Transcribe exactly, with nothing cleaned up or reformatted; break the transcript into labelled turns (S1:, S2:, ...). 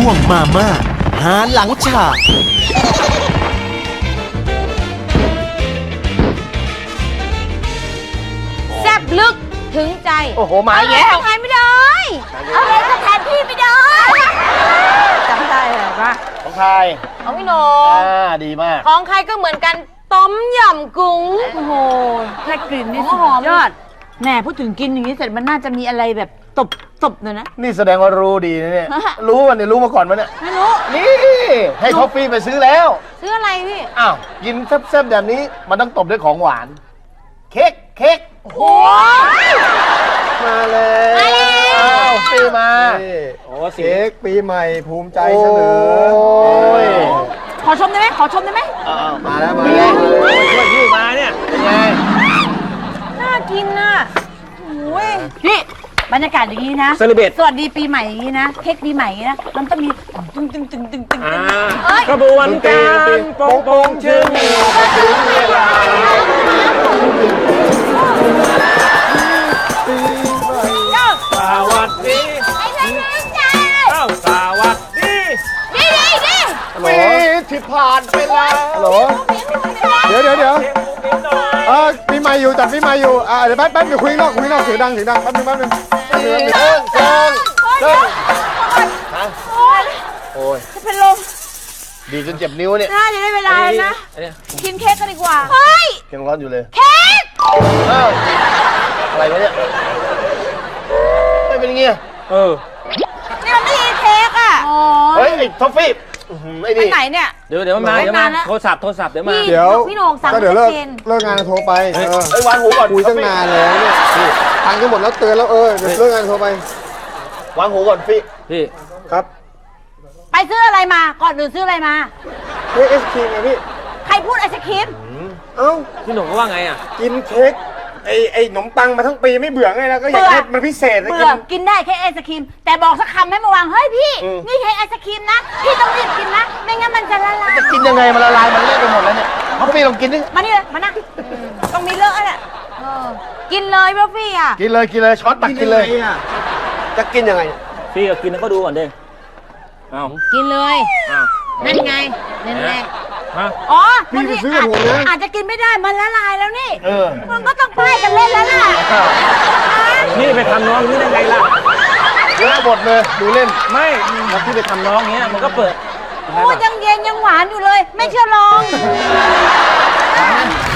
S1: วงมาม่าหาหลังฉาก
S2: แซ่บลึกถึงใจ
S3: โอ้โหมาแล้ว
S2: ทายไม่ได้อะไรก็แทนพี่ไม่ได้จำได้เหรอวะ
S3: ของใคร
S2: ของพี่โหน
S3: อ่าดีมาก
S2: ของใครก็เหมือนกันต้มยำกุ้งโอ้โห
S4: แค่กลิ่นนี่
S2: หอม
S4: ยอดแหน่พูดถึงกินอย่างนี้เสร็จมันน่าจะมีอะไรแบบตบตบหน่อยนะ
S3: นี่แสดงว่ารู้ดีนะเนี่ย รู้วันนี้รู้มาก่อนมั้ยเนี่ย
S2: ไม่รู้
S3: นี่ให้ท็อฟฟี่ไปซื้อแล้ว
S2: ซื้ออะไรพี่
S3: อ้าวกินแซ่บๆแบบนี้มันต้องตบด้วยของหวาน เค้กเค้ก
S2: โอ้ย
S3: มาเลยอ้าวฟี่มา
S5: โอ้เค้กปีใหม่ภูมิใจเสนอ
S3: โอ้ย
S4: ขอชมได้ไหมขอชมได้ไหม
S3: อ้าวมาแล้วมาแล้วช่วยพี่มาเนี่ยเป็นไง
S2: น่ากินน่ะโอ้ย
S4: พี่บรรยากาศอย่างนี้นะ
S5: เซเลเบต
S4: สวัสดีปีใหม่อย่างนี้นะเค้กปีใหม่อย่างนี้นะมันต้องมีตึงตึงตึงตึงตึงตึง
S5: กระบวนการโป่งโป่งชื่นถึงเวลาสวัสดี
S2: ไอ้เพื่อนใจ
S5: เอ้าสวัสดี
S2: ดีดีดี
S3: ปีที่ผ่านไปแล้ว
S5: ฮัลโหลเดี๋ยวเดี๋ยวเดี๋ยวเออปีใหม่อยู่จัดปีใหม่อยู่อ่าเดี๋ยวแป๊บแป๊บเดี๋ยวคุยนอกคุยนอกเสียงดังเสียงดังแป๊บนึงแป๊บนึงแป๊บนึงแป๊บนึง
S3: เซิงเซิงเซิง
S2: โอ้ย
S3: โอ้ย
S2: จะเป็นลม
S3: ดีจนเจ็บนิ้วเนี่ย
S4: น่าจะได้เวลาแล้วนะกินเค้กกันดีกว่า
S2: เฮ้ย
S3: ยังร้อนอยู่เลย
S2: เค้ก
S3: เอ้าอะไรวะเนี่ยไม่เป็นอย่างงี้
S5: เออ
S2: นี่มันไม่ใช่เค้กอ่ะ
S4: อ๋อ
S3: เฮ้ยไอ้ท็อฟฟี่อื้อหือไอ้
S2: ไป
S3: นี่
S2: ไหนเนี่ย
S5: เดี๋ยวเดี๋ยวมันมา
S4: ไม่
S5: เดี๋ยวมาน
S4: านแล้ว
S5: โทรศัพท์โทรศัพท์เดี๋ยวมา
S4: พี่
S5: เดี๋ยว
S4: พี่โหน่งสั่ง
S5: ก็เดี๋ยวเลิก
S4: ชัดจน
S5: เลิกงานโทรไปเออ
S3: ไอ้ยวางหูก่อน
S5: คุยตั้งนานแล้วเนี่ยตังค์ก็หมดแล้วเตือนแล้วเออเดี๋ยวเลิกงานโทรไป
S3: วางหูก่อนฟี่
S5: พี่ครับ
S4: ไปซื้ออะไรมาก่อนอื่นซื้ออะไรมา
S5: เค้กเอศครีมไงพี่
S4: ใครพูดไอศครีม
S5: เอ้า
S6: พี่หนุ่มก็ว่าไงอ่ะ
S5: กินเค้กไอ้ไอ้ขนมปังมาทั้งปีไม่เบื่อไงแล้วก็อยาก
S4: เบื่อ
S5: ให้มันพิเศษนะ
S4: เบื่
S5: กิ
S4: อน กินได้แค่ไอศครีม แต่บอกสักคำให้มาวางเฮ้ยพี่ นี่แค่ไอศครีมนะ พี่ต้องรีบกินนะ ไม่งั้นมันจะละลาย
S3: จะกินยังไงมันละลายมันเละไปหมดแล้วเนี่ยท็อฟฟี่ลองกินดิ
S4: มานี่เลยมานั่ง
S2: ต้องมีเลอะแหละเออกินเลยพี่ฟี่อ่ะ
S3: กินเลยกินเลยช้อนตักกินเลย
S5: จะกินยังไง
S6: พี่ก็กินแล้วก็ดูก่อนเด้เอ้า
S2: กินเลย
S6: อ้าว
S2: นั่นไงนั่นไง
S6: ฮะ
S4: อ๋อ
S5: พี่
S4: บาง
S5: ไป
S4: ที
S5: ซื้อ
S4: อา
S5: กับ
S4: จ
S5: ผมนะ
S4: อาจจะกินไม่ได้ มันละลายแล้วนี่
S3: เออ
S4: มันก็ต้องป้ายกันเล่นแล้วล่ะ
S6: นี่ไปทำน้องนี่ได้ไงล่ะ
S3: เยอะหมดเลยดูเล่น
S6: ไม่แล้วพี่ไปทำน้องเงี้ยมันก็เปิด
S4: โอ้ยยังเย็นยังหวานอยู่เลย ไม่เชื่อลอง